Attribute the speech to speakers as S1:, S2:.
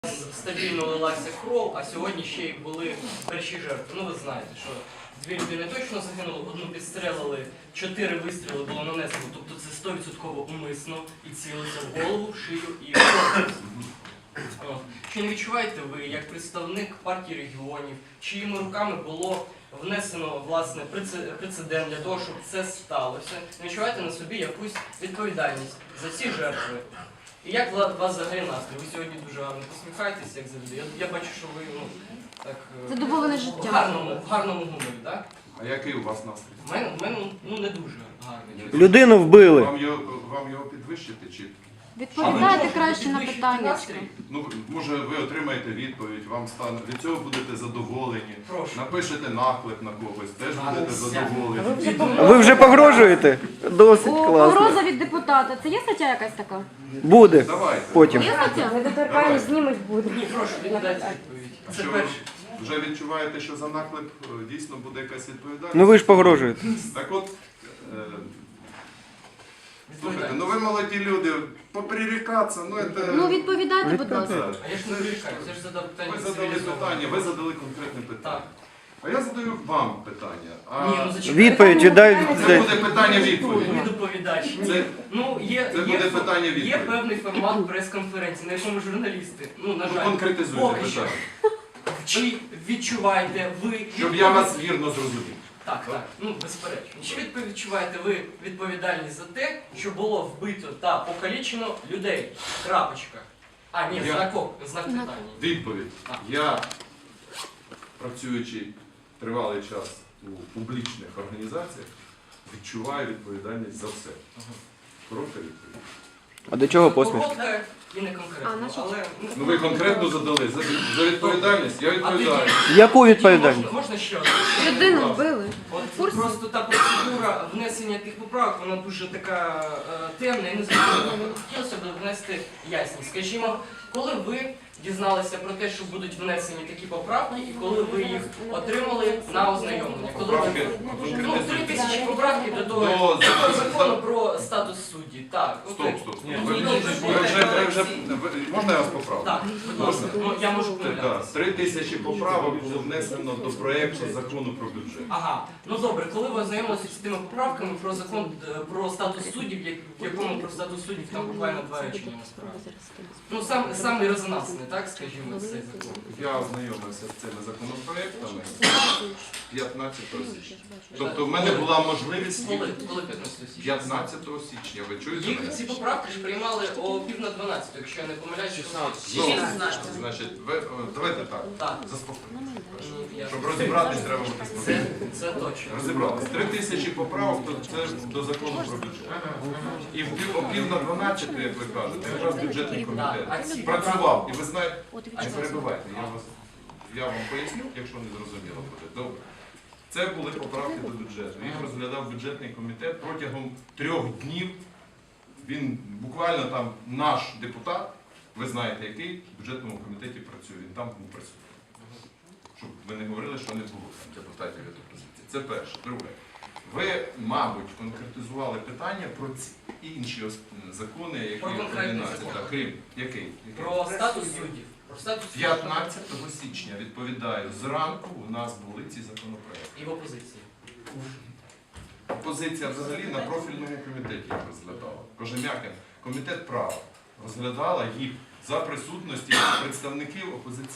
S1: Стабільно лилася кров, а сьогодні ще й були перші жертви. Ну ви знаєте, що 2 людини точно загинули, одну підстрелили, 4 вистріли було нанесено, тобто це 100% умисно і цілилося в голову, шию і корпус. Чи не відчуваєте ви, як представник партії регіонів, чиїми руками було внесено власне прецедент для того, щоб це сталося? Не відчуваєте на собі якусь відповідальність за ці жертви? І як у вас взагалі настрій? Ви сьогодні дуже гарно посміхаєтесь, як завжди. Я бачу, що ви так
S2: задоволене життя.
S1: В гарному гуморі, так?
S3: А який у вас настрій?
S1: У мене не дуже гарний.
S4: Людину вбили.
S3: Вам його підвищити чи?
S2: Відповідайте краще на питання.
S3: Ну, може ви отримаєте відповідь, вам стане, від цього будете задоволені.
S1: Прошу.
S3: Напишете наклеп на когось, теж будете задоволені.
S4: Ви вже погрожуєте? Досить класно.
S2: Погроза від депутата. Це є стаття якась така?
S4: Буде
S3: Давайте.
S4: потім.
S2: Є стаття?
S3: Недоторканність
S2: знімуть буде.
S1: Ні, прошу, віддайте відповідь.
S3: А
S1: Це
S3: що ви
S1: перше.
S3: вже відчуваєте, що за наклеп дійсно буде якась відповідальність?
S4: Ну ви ж погрожуєте.
S3: Так от, слухайте, ну ви молоді люди, поприрікатися, ну це...
S2: Ну відповідайте, будь ласка.
S1: А я ж не вирішаю, я ж задав питання.
S3: Ви задали питання, ви задали конкретне питання.
S1: Так.
S3: А я задаю вам питання. А
S1: Ні, ну зачекайте.
S4: Відповідь віддай.
S3: це буде питання-відповідь.
S1: Ви доповідач.
S3: Це-
S1: Ну,
S3: це буде питання-відповідь.
S1: Є певний формат прес-конференції, на якому журналісти, на
S3: Ну,
S1: жаль,
S3: конкретизуйте
S1: поки що.
S3: питання.
S1: Чи відчуваєте ви...
S3: Щоб я вас вірно зрозумів.
S1: Так, безперечно. Чи відчуваєте ви відповідальність за те, що було вбито та покалічено людей? Крапочка. А, ні, знак питання.
S3: Відповідь.
S1: Так.
S3: Я, працюючи тривалий час у публічних організаціях, відчуваю відповідальність за все. Коротка відповідь.
S4: А до чого посмішка?
S1: Коротка і не конкретно, але...
S3: Ну ви конкретно задали за відповідальність, я відповідаю.
S4: Яку відповідальність?
S1: Можна ще одне?
S2: Людину вбили.
S1: От просто та процедура внесення тих поправок, вона дуже така темна і незрозуміла. Хотілося б внести ясність. Скажімо, коли ви дізналися про те, що будуть внесені такі поправки, і коли ви їх отримали на ознайомлення? Коли
S3: Поправки,
S1: ви... 3000 поправки до того
S3: До
S1: закону про статус судді. Так.
S3: Стоп.
S1: Ні,
S3: Можна я вас поправлю?
S1: Так, будь ласка. Ну, я можу помилятися.
S3: 3000 поправок було внесено до проєкту закону про бюджет.
S1: Ага, ну добре, коли ви ознайомилися з тими поправками про закон про статус суддів, в якому про статус суддів там буквально 2 речення насправді. Ну самий резонансний, так, скажімо, цей закон.
S3: Я ознайомився з цими законопроектами 15 січня. Тобто в мене була можливість їх
S1: Коли 15 січня?
S3: 15 січня. Ви чуєте
S1: Їх
S3: мене?
S1: ці поправки ж приймали о 11:30, якщо я не помиляюсь.
S3: 16. Значить, давайте так,
S1: Так.
S3: заспокойтесь.
S1: Я-
S3: Щоб розібратись, треба бути спокійним.
S1: Це точно.
S3: Розібратись. 3000 поправок, то це до закону про бюджет. І о пів на 12, як ви кажете, якраз бюджетний комітет працював. І ви знаєте, не перебивайте, я вам поясню, якщо не зрозуміло буде. Добре. Це були поправки до бюджету. Їх розглядав бюджетний комітет протягом 3 днів. Він буквально там наш депутат, ви знаєте який, в бюджетному комітеті працює, він там був присутній. Щоб ви не говорили, що не було там депутатів від опозиції. Це перше. Друге. Ви, мабуть, конкретизували питання про ці інші закони, які
S1: Про конкретний
S3: 11,
S1: закон.
S3: так, Крим. Який?
S1: Про статус суддів. Про статус суддів.
S3: 15 січня, відповідаю, зранку у нас були ці законопроекти.
S1: І в опозиції.
S3: Опозиція взагалі на профільному комітеті їх розглядала. Кожем'якин, комітет права розглядала їх за присутності представників опозиції.